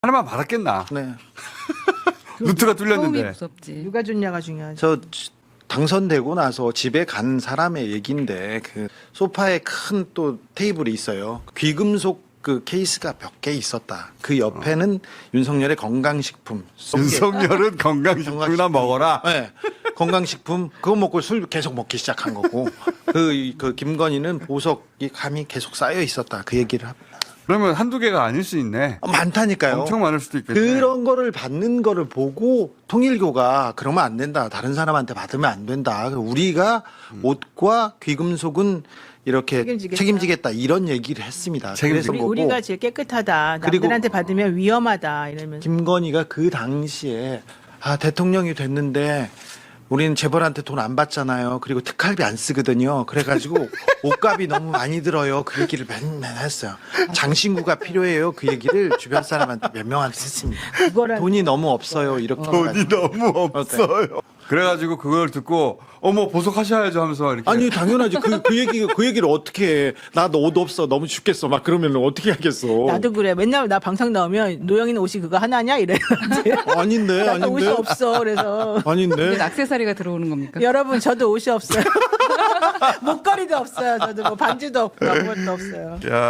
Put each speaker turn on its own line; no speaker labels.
하나만 받았겠나?
네.
루트가
처음이
뚫렸는데.
무섭지.
누가 줬냐가 중요하죠.
저 당선되고 나서 집에 간 사람의 얘기인데 그 소파에 큰 또 테이블이 있어요. 귀금속 그 케이스가 몇 개 있었다. 그 옆에는 윤석열의 건강식품.
윤석열은 건강식품이나 먹어라.
네. 건강식품 그거 먹고 술 계속 먹기 시작한 거고 그 김건희는 보석이 감이 계속 쌓여 있었다. 그 얘기를 합니다.
그러면 한두 개가 아닐 수 있네.
많다니까요.
엄청 많을 수도 있겠네.
그런 거를 받는 거를 보고 통일교가 그러면 안 된다. 다른 사람한테 받으면 안 된다. 우리가 옷과 귀금속은 이렇게 책임지겠다. 이런 얘기를 했습니다. 그래서 보고
우리가 제일 깨끗하다.
그리고
남들한테 받으면 위험하다. 이러면서.
김건희가 그 당시에 대통령이 됐는데 우리는 재벌한테 돈 안 받잖아요. 그리고 특활비 안 쓰거든요. 그래가지고 옷값이 너무 많이 들어요. 그 얘기를 맨날 했어요. 장신구가 필요해요. 그 얘기를 주변 사람한테 몇 명한테 했습니다. 돈이 너무 없어요. 이렇게
돈이 너무 없어요. 그래가지고 그걸 듣고 어머 보석하셔야죠 하면서 이렇게.
아니 당연하지. 그 얘기를 어떻게 해. 나도 옷 없어. 너무 죽겠어. 막 그러면 어떻게 하겠어.
나도 그래. 맨날 나 방송 나오면 노영이는 옷이 그거 하나냐 이래.
아닌데.
나도 옷이 없어. 그래서
아닌데.
이게 액세서리가 들어오는 겁니까?
여러분 저도 옷이 없어요. 목걸이도 없어요. 저도 뭐 반지도 없고 아무것도 없어요.
야.